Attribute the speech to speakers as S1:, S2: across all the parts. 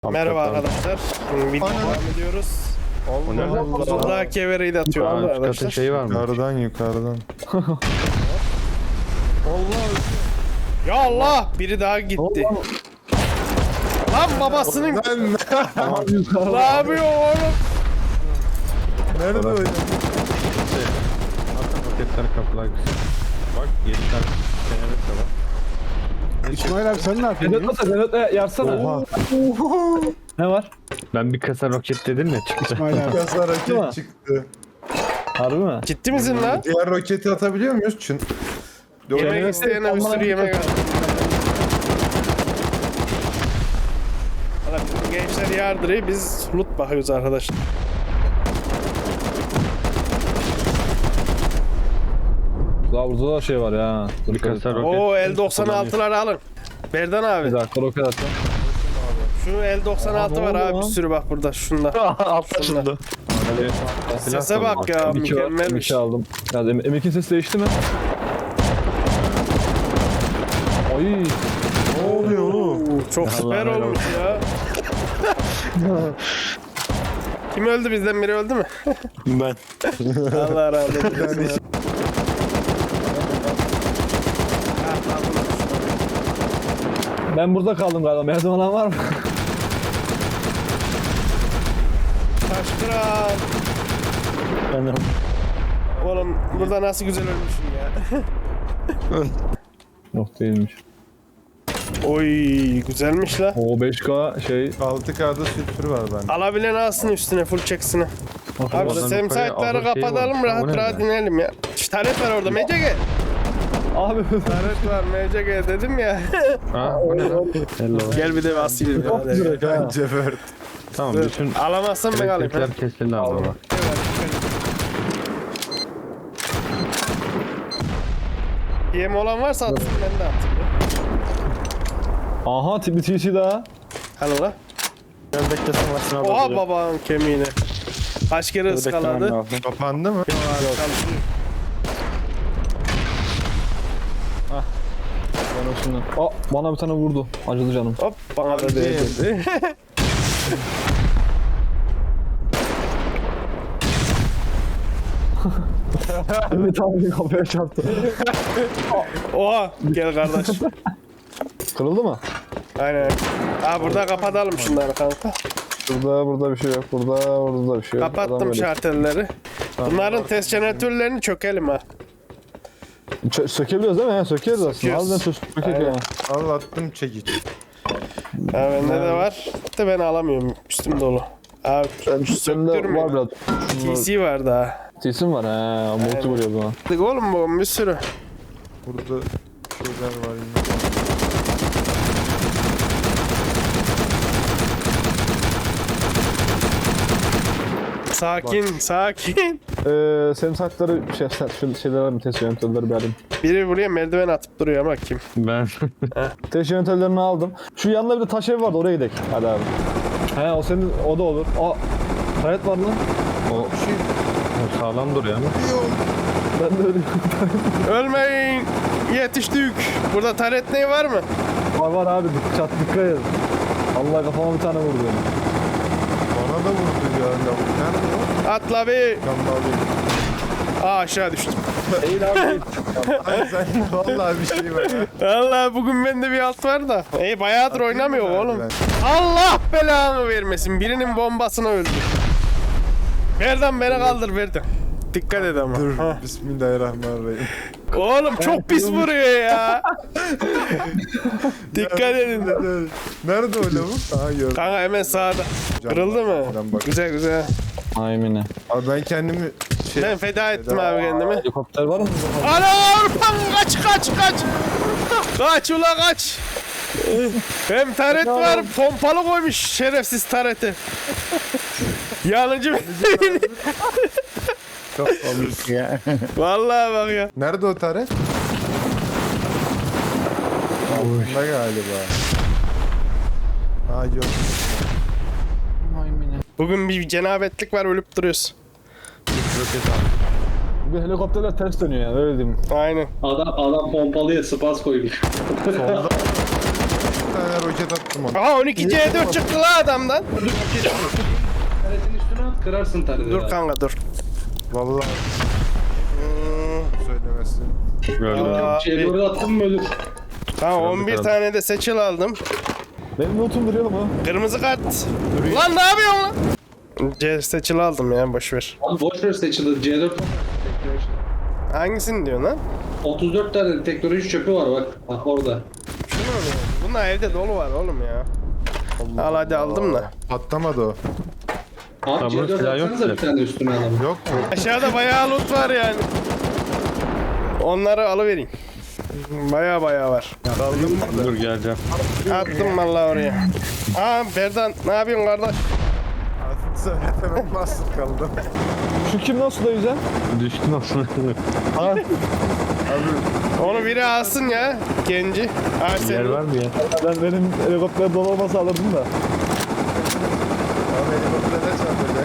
S1: Merhaba arkadaşlar. Video devam ediyoruz. Allah kevereyi de atıyor arkadaşlar.
S2: Şey var mı?
S3: Yukarıdan.
S1: Ya Allah! Biri daha gitti. Lan babasının... Ne yapıyor oğlum?
S3: Nerede o ya?
S2: Roketler kapılar güzel. Bak 7 tane senelik de var.
S4: İsmail abi sen ne yapıyorsun?
S5: Vedat yarsana.
S3: Oha.
S5: Ne var?
S2: Ben bir kasa roket dedim ya çıktı.
S4: İsmail abi.
S3: Kasa roket çıktı.
S5: Harbi mi?
S1: Ciddi misin lan?
S3: Diğer roketi atabiliyor muyuz?
S1: Yemek isteyene bir sürü yemek al. Valla bizim gençler yardırıyor, biz loot bakıyoruz arkadaşlar.
S5: Daha burada da şey var ya.
S2: Bir kasa roket.
S1: Oo L96'ları alın. Berdan
S5: Bir
S1: abi.
S5: dakika roket atacağım.
S1: Şu L96 var
S5: ne oldu
S1: abi bir
S5: lan?
S1: sürü bak burada şunda.
S2: Altta şurada.
S1: Sese bak ya
S5: M2 var.
S1: mükemmelmiş.
S5: M2 aldım. Ya M2'nin sesi değişti mi? Ay.
S3: Ne oluyor oğlum?
S1: Çok süper
S2: helal
S1: olmuş ya. Kim öldü bizden biri öldü mü?
S2: Ben.
S1: Allah razı olsun.
S5: Ben burada kaldım galiba. Merdiven olan var mı?
S1: Taş kral.
S2: Ben
S1: Oğlum burada nasıl güzel ölmüşsün ya.
S5: Yok değilmiş.
S1: Oy güzelmiş la.
S5: O 5K şey.
S3: 6K'da sülfür var bende.
S1: Alabilen alsın üstüne full çeksine. Abi
S2: Oradan
S1: şu
S2: yukarıya
S1: semsaytları
S2: ağır şey
S1: kapatalım
S2: varmış. O
S1: rahat
S2: ne
S1: rahat
S2: ya?
S1: inelim ya. Taret var orada MCG.
S5: Abi.
S1: Taret var MCG dedim ya.
S2: Ha o ne lan? Hello.
S1: Gel bir de basayım.
S5: Çok direkt ha.
S3: Cevert.
S2: Tamam bütün
S1: Alamazsan ben alayım.
S2: elektrikler kesildi abi bak.
S1: Yem olan varsa atsın ben de atayım.
S5: Aha bir TC daha.
S1: Hadi la.
S2: Gel beklesin varsın abi.
S1: Oha babanın kemiğini. Kaç kere ıskaladı.
S3: Kapandı mı?
S1: Çalışıyor.
S5: Ben şimdi. Aa bana bir tane vurdu. Acıdı canım.
S1: Hop bana da değdi.
S5: Evet abi kafaya çarptı.
S1: Oha gel kardeş.
S5: Kırıldı mı?
S1: Aynen. Aa burada kapatalım şunları kanka.
S5: Burada bir şey yok. Burada bir şey yok. Adam
S1: Kapattım
S5: böyle-
S1: şartelleri. Bunların test jeneratörlerini çökelim ha.
S5: Sökebiliyoruz değil mi? He, sökeriz aslında.
S1: Söküyoruz.
S5: Harbiden sökmek
S1: Aynen.
S5: ya.
S3: Al attım çekiç.
S1: Ha bende de var. De ben alamıyorum. Üstüm dolu. Abi
S5: Sende
S1: söktürmüyor.
S5: var biraz.
S1: TC var daha.
S5: TC'm var he. Multi vuruyor buna.
S1: Dık oğlum bu bir sürü.
S3: Burada şeyler var yine.
S1: Sakin sakin.
S5: Senin saatleri şu şeyler mi? Test yöntemleri bir alayım.
S1: Biri buraya merdiven atıp duruyor ama kim?
S2: Ben.
S5: Test yöntemlerini aldım. Şu yanında bir de taş ev vardı oraya gidelim. Hadi abi. He o senin o da olur. Aa. Hayat var lan.
S2: O sağlam duruyor ama.
S5: Ben de öyle.
S1: Ölmeyin. Yetiştik. Burada taret neyi var mı?
S5: Var abi dikkat edin. Allah kafama bir tane vurdu.
S3: Bana da vurdu ya lavuk. Nerede o?
S1: Atla bir.
S3: Kambalı.
S1: Aa aşağı düştüm.
S5: Eğil abi.
S3: Ay sen vallahi bir şey var ya.
S1: Allah bugün bende bir alt var da. Bayağıdır oynamıyor oğlum. Allah belanı vermesin. Birinin bombasına öldü. Verden beni kaldır Verden. Dikkat et ama.
S3: Dur
S1: Ha.
S3: bismillahirrahmanirrahim.
S1: Oğlum çok pis vuruyor ya. Dikkat edin.
S3: Nerede o lavuk? Aha gördüm.
S1: Kanka hemen sağda. Kırıldı mı?
S3: Camdan bak.
S1: Güzel güzel.
S5: Aynen.
S3: Abi ben kendimi
S1: Ben feda ettim abi kendimi.
S5: Helikopter var mı?
S1: Anam! Kaç kaç kaç! Kaç ula kaç! Hem taret var, pompalı koymuş şerefsiz tareti. Yanıcı
S3: çok alır ya.
S1: Vallahi bak ya.
S3: Nerede o taret? Altında galiba. Ha yok.
S1: Bugün bir cenabetlik var ölüp duruyoruz.
S5: Bugün helikopterler ters dönüyor yani öyle diyeyim.
S1: Aynen.
S6: Adam pompalıya spas koymuş.
S3: Bir tane roket attım ona.
S1: Aha 12 C4 çıktı la adamdan.
S4: Taretin üstüne at kırarsın tareti.
S1: Dur kanka dur.
S3: Vallahi söylemezsin.
S2: Gördüm.
S1: Aa,
S4: Şey doğru attın mı ölür.
S1: Tamam 11 tane de seçil aldım.
S5: Benim lootum duruyor mu?
S1: Kırmızı kart. Lan ne yapıyorsun lan? C seçil aldım ya boşver.
S4: Abi boşver seçilir. C4 teknoloji.
S1: Hangisini diyorsun lan?
S4: 34 tane teknoloji çöpü var bak. Bak orada.
S1: Şunu mu diyorsun? Bunlar evde dolu var oğlum ya. Al hadi aldım da.
S3: Patlamadı o.
S4: Abi
S2: Tamam,
S4: C4
S2: silah yok
S4: atsanıza
S2: ki.
S4: bir tane üstüne alalım.
S3: Yok mu?
S1: Aşağıda bayağı loot var yani. Onları alıvereyim. Bayağı var.
S2: Dur geleceğim.
S1: Attım vallahi oraya. Aa Berdan ne yapıyorsun kardeş?
S3: Söyletemek mahsur kaldım.
S5: Şu kim nasıl da yüzen?
S2: Düştün aslında.
S5: Ha,
S1: Onu biri alsın ya genci. Aa
S2: Yer
S1: sen.
S2: var mı ya?
S5: benim helikopter dolu olmasa alırdım da.
S3: Abi helikoptere çarpacak.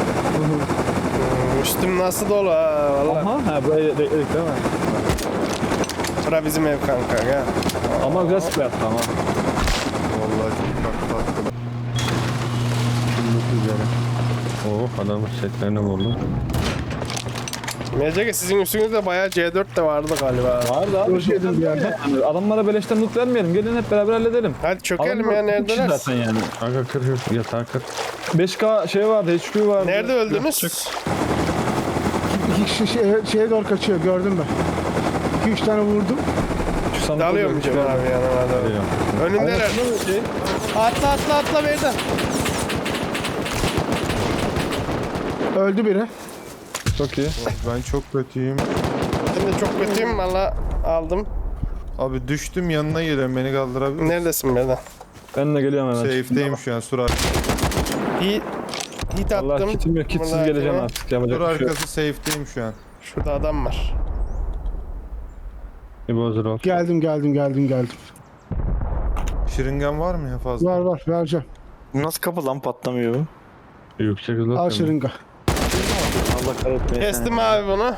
S1: Üstüm nasıl dolu ha valla.
S5: Aha, ha buraya bekledik değil mi?
S1: Bura bizim ev kanka ya.
S5: Ama güzel sprey attı ama.
S3: Vallahi çok tatlı.
S2: Oh adamın setlerini buldum.
S1: MCG sizin üstünüzde bayağı C4 de vardı galiba.
S5: Vardı abi.
S4: Hoş geldin bir yerde.
S5: Yani adamlara beleşten loot vermeyelim. Gelin hep beraber halledelim.
S1: Hadi çökelim
S5: Adamlar
S1: ya
S5: iki kişi
S1: neredeler?
S5: zaten yani.
S2: Kanka kır yatağı kır.
S5: 5K şey vardı, HQ vardı.
S1: Nerede öldünüz?
S6: İki kişi şeye doğru kaçıyor gördüm ben. 2-3 tane vurdum.
S5: Şu sandıkta
S1: Dalıyor mu
S5: gördük
S1: Cem
S5: yani.
S1: abi yanıma da?
S2: Geliyorum.
S1: Önündeler.
S5: Aynen, şey.
S1: Atla Berdan.
S6: Öldü biri.
S5: Çok iyi.
S3: Ben çok kötüyüm.
S1: Ben de çok kötüyüm valla aldım.
S3: Abi düştüm yanına geliyorum beni kaldırabilir misin?
S1: Neredesin Berdan?
S5: Ben de geliyorum hemen.
S3: Safe'deyim şu an sur arkası.
S1: Hit
S5: Allah
S1: attım.
S5: kitim yok. Kitsiz
S1: Vallahi
S5: geleceğim
S1: aklıma.
S5: artık. Yapacak
S3: Sur
S5: bir şey yok.
S3: arkası safe'deyim şu an.
S1: Şurada adam var.
S2: Bir bozdur ol.
S6: Geldim.
S3: Şırıngan var mı ya fazla?
S6: Var vereceğim.
S7: Nasıl kapı lan patlamıyor bu?
S2: Yüksek hızlı
S6: Al
S2: atıyorum.
S6: şırınga.
S7: Allah kahretmesin.
S1: Kestim abi bunu.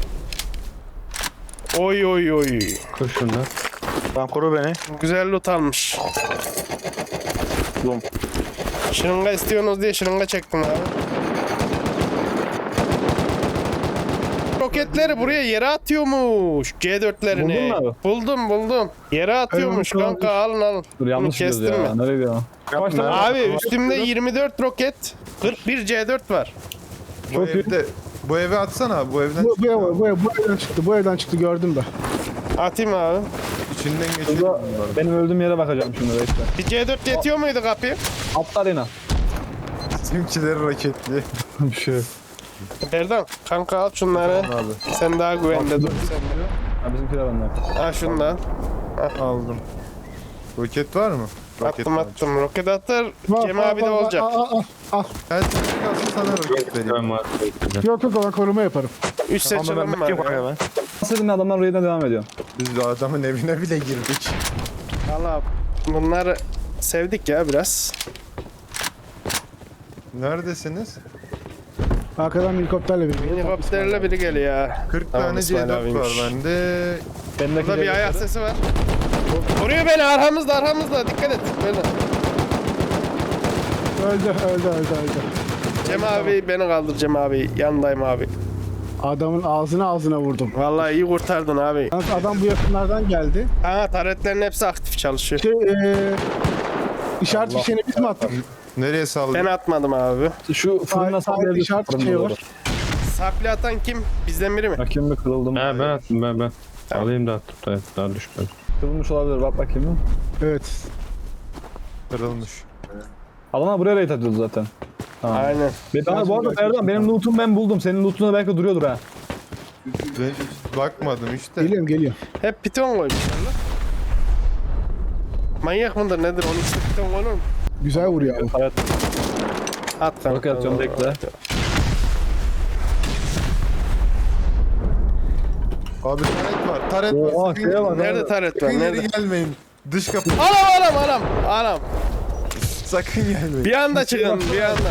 S1: Oy.
S2: Kır şunu da.
S7: Tamam koru beni.
S1: Güzel loot almış.
S7: Bum.
S1: Şırınga istiyorsunuz diye şırınga çektim abi. Roketleri buraya yere atıyormuş. C4'lerini.
S5: Buldun mu abi?
S1: Buldum. Yere atıyormuş
S6: Evet,
S1: kanka alın.
S5: Dur yanlış
S1: Bunu
S5: gidiyoruz
S1: kestin
S5: ya.
S1: mi?
S5: Nereye gidiyor? Başla.
S1: Abi üstümde 24 roket, 41 C4 var.
S3: Bu
S5: Çok iyi.
S3: evde bu eve atsana bu evden
S6: Bu evden çıktı gördüm ben.
S1: Atayım abi.
S3: içinden geçelim
S5: Burada
S3: bunları.
S5: benim öldüğüm yere bakacağım şimdi bekle.
S1: Bir C4 yetiyor muydu kapıyı?
S5: Atla arena.
S3: Bizimkileri raketli.
S5: Bir şey yok.
S1: Berdan kanka al şunları.
S3: Abi
S1: Sen daha güvende dur.
S5: Ha bizimkiler benden.
S1: Al şunu da.
S3: aldım. Roket var mı? Roket var.
S1: Attım. Roket atır. Cem abi de
S6: Var.
S1: olacak.
S6: Al.
S3: Gel sen kalsın sana roket vereyim.
S2: Ben var.
S6: Yok ben koruma yaparım.
S1: 3 seçelim var.
S7: Yok
S1: ya.
S7: ben.
S5: Nasıl dedim ya adamlar raid'e devam ediyor.
S3: Biz de adamın evine bile girdik.
S1: Valla bunları sevdik ya biraz.
S3: Neredesiniz?
S6: Arkadan helikopterle biri.
S1: Helikopterle biri geliyor ya.
S3: 40
S1: Tamam,
S3: tane
S1: İsmail
S3: C4 var
S1: abiymiş.
S3: bende.
S5: Bendeki
S1: Burada bir ayak sesi var. Vuruyor beni arkamızda dikkat et. Böyle.
S6: Öldü.
S1: Cem abi beni kaldır Cem abi. Yanındayım abi.
S6: Adamın ağzına vurdum.
S1: Vallahi iyi kurtardın abi.
S6: Yalnız adam bu yakınlardan geldi.
S1: Ha taretlerin hepsi aktif çalışıyor.
S6: İşaret fişeğini biz mi attık?
S3: Nereye saldın?
S1: Ben atmadım abi.
S5: Şu fırından
S6: Sağ
S5: sallayabilir.
S6: işaret şey var.
S1: Sapli atan kim? Bizden biri mi?
S5: Bakayım bir kırıldım.
S2: He ben attım ben. Alayım da attım da daha düşmedi.
S5: Kırılmış olabilir bak bakayım mı?
S6: Evet.
S3: Kırılmış.
S5: Adamlar buraya raid atıyordu zaten. Tamam.
S1: Aynen.
S5: Ben, bu arada Erdoğan benim loot'um ben buldum. Senin loot'una belki duruyordur ha.
S3: Ben hiç bakmadım işte.
S6: Geliyor.
S1: Hep piton koymuşlar lan. Manyak mıdır nedir? Onun için piton koyulur mu?
S6: Güzel vuruyor abi.
S5: Hayat
S1: At kanka.
S5: Roket atıyorum, bekle.
S3: Abi taret var. Taret var.
S5: Oha,
S3: Sakın
S5: şeye
S3: gelmeyin.
S5: bak.
S1: Nerede taret var?
S3: Sakın
S1: Nerede?
S3: ileri gelmeyin. Dış kapı.
S1: Anam.
S3: Sakın gelmeyin.
S1: Bir anda çıkın bir anda.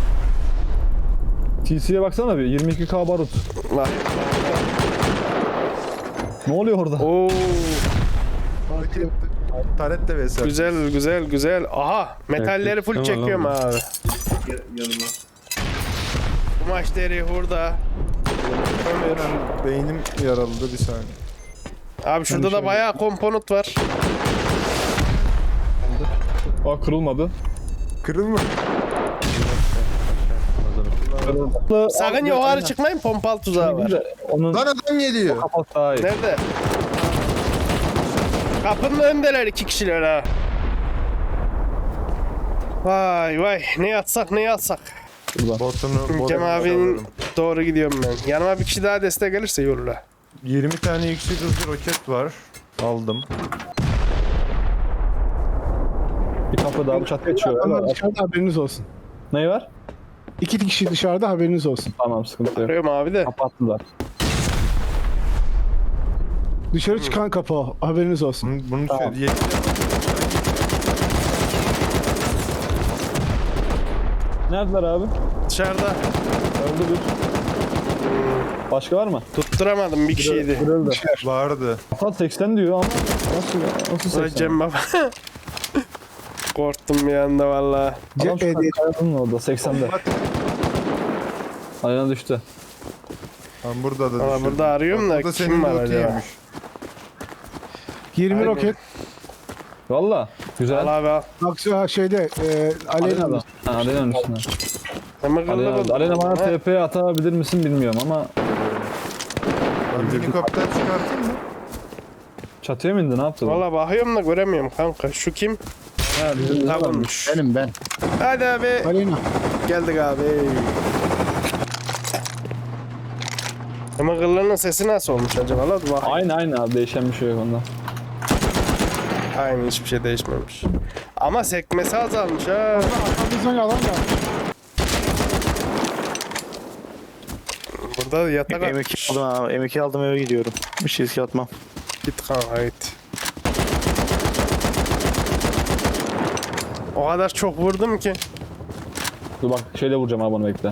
S5: TC'ye baksana bir 22K barut.
S1: Bak.
S5: Ne oluyor orada?
S1: Oo.
S3: Roket. Taret de vs.
S1: Güzel güzel güzel. Aha metalleri full
S2: Tamam,
S1: çekiyorum
S2: tamam.
S1: abi.
S4: Yanıma.
S1: Kumaş deri hurda. Kömür.
S3: Beynim yaraldı bir saniye.
S1: Abi şurada da bayağı komponent var.
S5: Aa kırılmadı.
S3: Kırılma.
S1: Sakın yukarı çıkmayın, pompalı tuzağı var.
S5: Onun
S3: Lan adam geliyor.
S5: kafası daha iyi.
S1: Nerede? Kapının önündeler 2 kişiler ha. Vay vay, ne yatsak ne yatsak.
S3: Botunu
S1: Cem abinin doğru gidiyorum ben. Yanıma bir kişi daha destek gelirse iyi olur ha.
S3: 20 tane yüksek hızlı roket var. Aldım.
S5: Bir kapı daha çatıya çıkıyor.
S6: Ama
S5: Evet.
S6: dışarıda haberiniz olsun.
S5: Neyi var?
S6: 2 kişi dışarıda haberiniz olsun.
S5: Tamam sıkıntı yok.
S1: Arıyorum abi de.
S5: Kapattılar.
S6: Dışarı çıkan kapı o. Haberiniz olsun.
S3: Bunu
S5: Tamam.
S3: şöyle
S5: Neredeler abi?
S1: Dışarıda
S5: Öldü bir. Başka var mı?
S1: tutturamadım bir kişiydi.
S5: Kırıldı.
S3: vardı.
S5: Hatta 80 diyor ama nasıl
S1: Ulan
S5: 80?
S1: Cem baba. Korktum bir anda valla.
S5: Adam
S6: Cephe
S5: şu kayadının orada 80'de. Ayağına düştü.
S3: Ben burada da
S1: Valla
S3: düşürdüm.
S1: burada arıyorum da
S3: Burada
S1: kim
S3: senin
S1: var
S3: loot'u
S1: acaba?
S3: yemiş.
S6: 20
S1: Aynen.
S6: roket.
S5: Valla. Güzel.
S1: Al abi al.
S6: Bak şeyde Aleyna.
S5: Alena'da. Ha Alena'nın üstüne.
S1: Ama kıllı
S5: Alena,
S1: buldum.
S5: Alena bana
S1: Ha,
S5: TP atabilir misin bilmiyorum ama
S3: Ben helikopter çıkartayım mı?
S5: çatıya mı indi ne yaptı? bu?
S1: Valla bakıyorum da göremiyorum kanka. Şu kim?
S5: Ha, bizim
S1: Tabanmış.
S6: Benim ben.
S1: Hadi abi.
S6: Aleyna.
S1: Geldik abi. Ama kıllarının sesi nasıl olmuş acaba? La dur bak.
S5: Aynı abi değişen bir şey yok onda.
S1: Aynı, hiçbir şey değişmemiş. Ama sekmesi azalmış ha.
S6: Arkamızdan yalan geldi.
S1: Burada yatak
S7: M2
S1: atmış.
S7: aldım abi. M2 aldım eve gidiyorum. Bir şey riske atmam.
S1: Git kanka git. O kadar çok vurdum ki.
S5: Dur bak şeyle vuracağım abi onu bekle.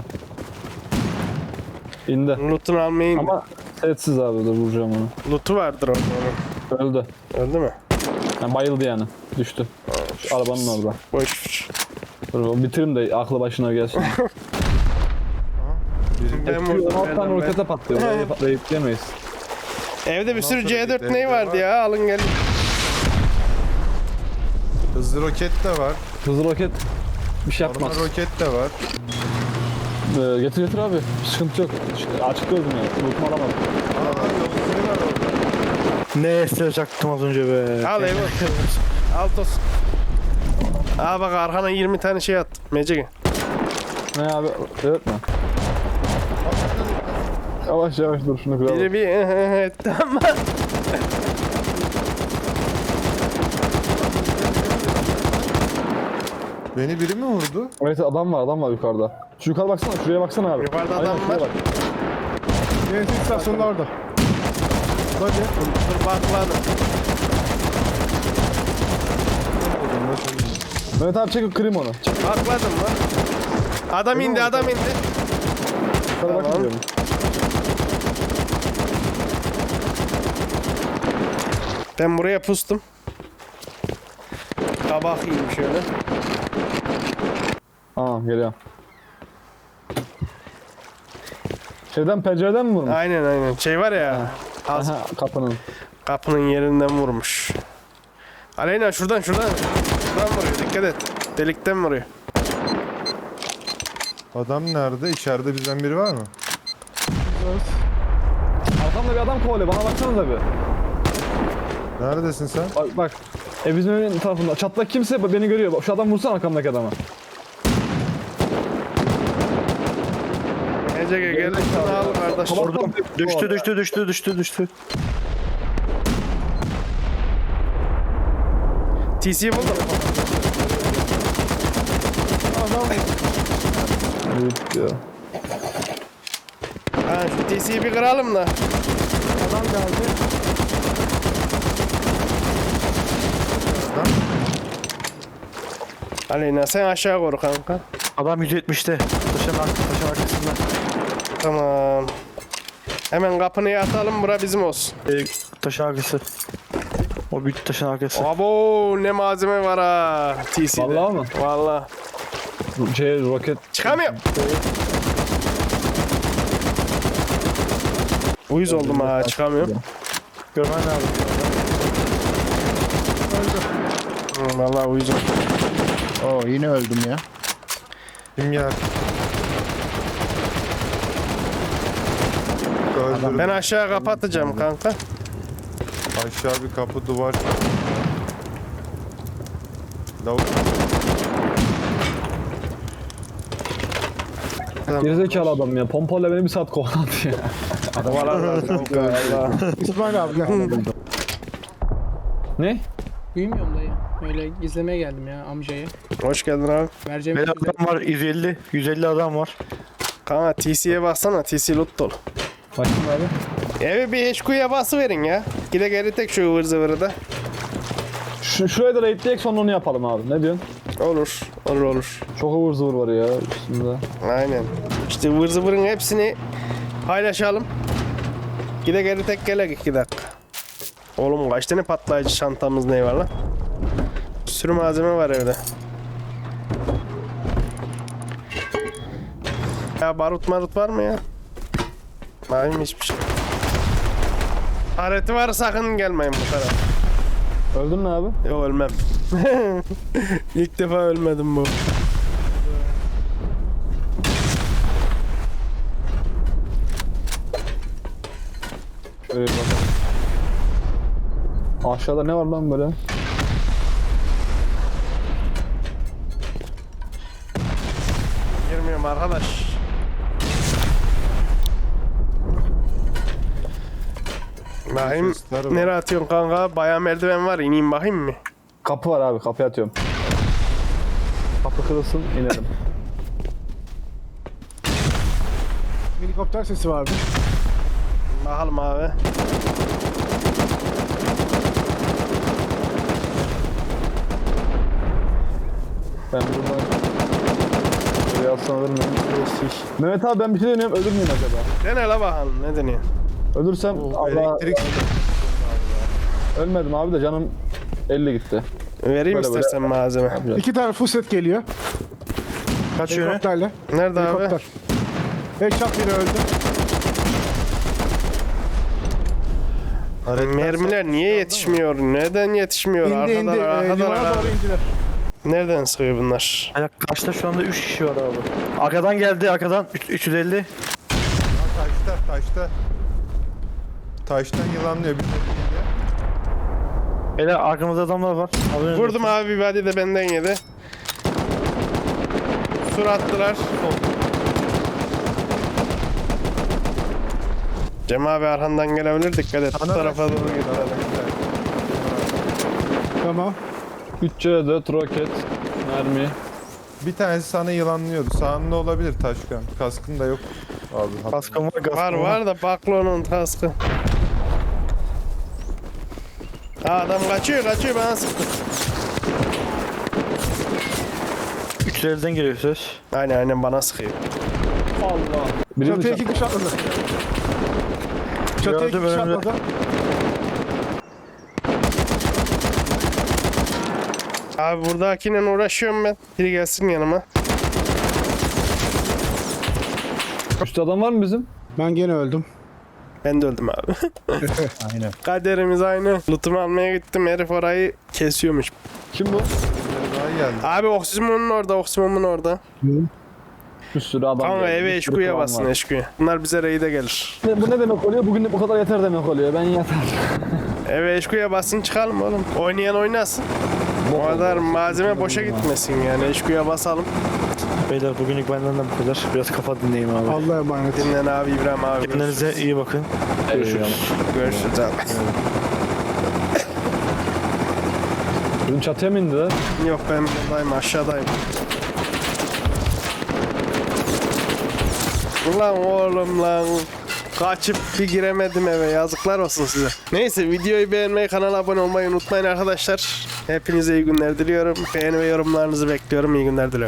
S5: İndi.
S1: Loot'unu almaya indi.
S5: Ama setsiz abi dur vuracağım onu.
S1: Loot'u vardır onun.
S5: Öldü.
S1: Öldü mü?
S5: Yani bayıldı yani. Düştü. Şu arabanın orada.
S1: Boş.
S5: Dur bitireyim de aklı başına gelsin.
S1: Ben
S5: Şu
S1: vurdum.
S5: 16 tane
S1: verdim ben.
S5: rokete patlıyor. Orayı patlayıp yemeyiz.
S1: Evde bir sürü
S3: Ondan sonra
S1: C4
S3: gidelim,
S1: ney vardı
S3: var.
S1: ya? Alın gelin.
S3: Hızlı roket de var.
S5: Hızlı roket bir şey
S3: Normal
S5: yapmaz.
S3: roket de var.
S5: Getir abi. Sıkıntı yok. Açık gördüm ya. Loot'umu alamadım.
S3: Aa, var orada.
S7: Ne esir çaktım az önce be.
S1: Al Evo. Altos. Aa bak arkana 20 tane şey attım. Mecege.
S5: Ne abi? Evet mi? Yavaş yavaş dur şunu kıralım.
S1: Biri bir etti ama.
S3: Beni biri mi vurdu?
S5: Evet adam var yukarıda. Şu yukarı baksana şuraya baksana abi.
S1: Yukarıda
S5: Aynen,
S1: adam
S5: şuraya
S1: var.
S5: bak.
S6: Benzin istasyonunda orada.
S1: Dur bakladım.
S5: Mehmet abi çek kırayım onu.
S1: Bakladım lan. Adam indi adam indi.
S5: Yukarı
S1: Tamam.
S5: bakın diyorum.
S1: Ben buraya pustum. Kabak yiyeyim şöyle.
S5: Tamam geliyorum. Şeyden pencereden mi vurmuş?
S1: Aynen. Şey var ya. Az
S5: Aha kapının.
S1: kapının yerinden vurmuş. Aleyna şuradan. Şuradan vuruyor. Dikkat et. Delikten vuruyor.
S3: Adam nerede? İçeride bizden biri var mı?
S5: Arkamda bir adam kovalıyor bana baksanıza bir.
S3: Neredesin sen?
S5: Bak. Bizim evin tarafında. Çatlak kimse beni görüyor. Bak, şu adam vursana arkamdaki adama.
S1: Mecege gel. Şunu al kardeş.
S7: Vurdum. Düştü.
S1: TC buldum.
S5: Evet diyor.
S1: Ha şu TC'yi bir kıralım da.
S6: Adam geldi.
S1: Aleyna sen aşağı koru kanka.
S7: Adam 170'te. Taşın arkasında.
S1: Tamam. Hemen kapını atalım bura bizim olsun.
S7: Taşın arkası. O büyük taşın arkası.
S1: Abo ne malzeme var ha TC'de.
S5: Vallahi mı?
S1: Vallahi.
S5: Roket.
S1: Çıkamıyorum. Uyuz oldum ha çıkamıyorum.
S7: Görmen lazım.
S1: Vallahi uyuz oldum.
S6: Oo yine öldüm ya.
S3: Kim yer? Öldürdüm.
S1: Ben aşağı kapatacağım kanka.
S3: Aşağı bir kapı duvar. Lavuk.
S5: Gerizekalı adam ya. Pompayla beni bir saat kovaladı ya.
S1: Kovalarlar kanka valla.
S6: İsmail abi gel.
S5: Ne?
S8: Uyumuyorum dayı. Öyle izlemeye geldim ya amcayı.
S1: Hoş geldin abi.
S8: Vereceğim
S7: Beyler
S8: sözü.
S7: adam var 150. 150 adam var.
S1: Kanka TC'ye baksana TC loot dolu.
S5: Bakayım abi.
S1: Evi bir HQ'ya basıverin ya. Gide geri tek şu ıvır zıvırı da.
S5: Şuraya da raidleyek sonra onu yapalım abi. Ne diyorsun?
S1: Olur. Olur olur.
S5: Çok ıvır zıvır var ya üstünde.
S1: Aynen. İşte ıvır zıvırın hepsini paylaşalım. Gide geri tek gelek 2 dakika. Oğlum kaç tane patlayıcı çantamız ne var lan? Bir sürü malzeme var evde. Ya barut var mı ya? Var mı hiçbir şey? Hareti var sakın gelmeyin bu tarafa.
S5: Öldün mü abi?
S1: Yok ölmem. İlk defa ölmedim bu.
S5: Evet bakalım. Aşağıda ne var lan böyle?
S1: Girmiyorum arkadaş. Bakayım
S3: Sesler var.
S1: nereye atıyorsun kanka? Bayağı merdiven var. İneyim bakayım mı?
S5: Kapı var abi, kapıya atıyorum. Kapı kırılsın, inelim.
S6: Helikopter sesi vardı.
S1: Bakalım abi.
S5: Ben buradan... Buraya alsam ölür müyüm? Mehmet abi ben bir şey deniyorum, ölür müyüm acaba?
S1: Dene la bakalım. Ne deniyor?
S5: Ölürsem Allah...
S3: Elektrik
S5: Ölmedim abi de canım 50 gitti.
S1: Vereyim
S5: Böyle
S1: istersen malzeme.
S5: Yapacağız.
S6: 2 tane full set geliyor.
S7: Kaç yöne?
S6: Helikopterle.
S1: Nerede abi?
S6: Helikopter. Headshot biri öldü.
S1: Mermiler niye yetişmiyor? Neden yetişmiyor?
S6: İndi indi.
S1: Arkadan, arkadan,
S6: Limana
S1: arkadan.
S6: doğru indiler.
S1: Nereden sıkıyor bunlar?
S7: Aynen, karşıda şu anda 3 kişi var abi. Arkadan geldi arkadan 350.
S3: taşta. Taştan yılanlıyor. Bir tane
S7: Beyler arkamızda adamlar var. Haberiniz
S1: Vurdum
S7: olsun.
S1: abi bir body de benden yedi. Sur attılar. Cem abi arkandan gelebilir dikkat et. Bu tarafa doğru git.
S6: Tamam.
S5: 3C4 roket, mermi.
S3: Bir tanesi sana yılanlıyordu. Sağında olabilir Taşkan. Kaskın da yok. Abi.
S7: Kaskım var, kaskım
S1: Var da baklonun kaskı. Ha, adam kaçıyor bana sıktı.
S7: 350'den geliyor ses.
S1: Aynen bana sıkıyor.
S5: Allah. Biri
S6: Çatıya
S5: mi
S6: 2 kişi atladı. Çatıya 2
S7: Gördüm
S6: kişi
S7: önümde.
S6: atladı.
S1: Abi buradakiyle uğraşıyorum ben. Biri gelsin yanıma.
S5: Üstte adam var mı bizim?
S6: Ben gene öldüm.
S1: Ben de öldüm abi.
S6: Aynen.
S1: Kaderimiz aynı. Lootumu almaya gittim. Herif orayı kesiyormuş.
S5: Kim bu?
S3: Daha geldi.
S1: Abi oksimumun orada.
S5: Bir sürü adam.
S1: Kanka
S5: geldi,
S1: eve
S5: bir sürü
S1: eşkuya
S5: klan
S1: basın
S5: var.
S1: eşkuya. Bunlar bize raid'e gelir.
S5: Bu ne demek oluyor? Bugün bu kadar yeter demek oluyor. Ben yeter.
S1: Eve eşkuya basın çıkalım oğlum. Oynayan oynasın. O kadar malzeme boşa gitmesin yani. Eşkuya basalım.
S7: Beyler bugünlük benden de bu kadar. Biraz kafa dinleyeyim abi.
S6: Allah'a emanet.
S1: Dinlen abi İbrahim abi.
S7: Kendinize iyi bakın. Görüşürüz.
S1: Görüşürüz abi.
S5: Bizim çatıya mı indiler?
S1: Yok ben buradayım aşağıdayım. Ulan oğlum lan. Kaçıp bir giremedim eve yazıklar olsun size. Neyse videoyu beğenmeyi kanala abone olmayı unutmayın arkadaşlar. Hepinize iyi günler diliyorum. Beğeni ve yorumlarınızı bekliyorum. İyi günler diliyorum.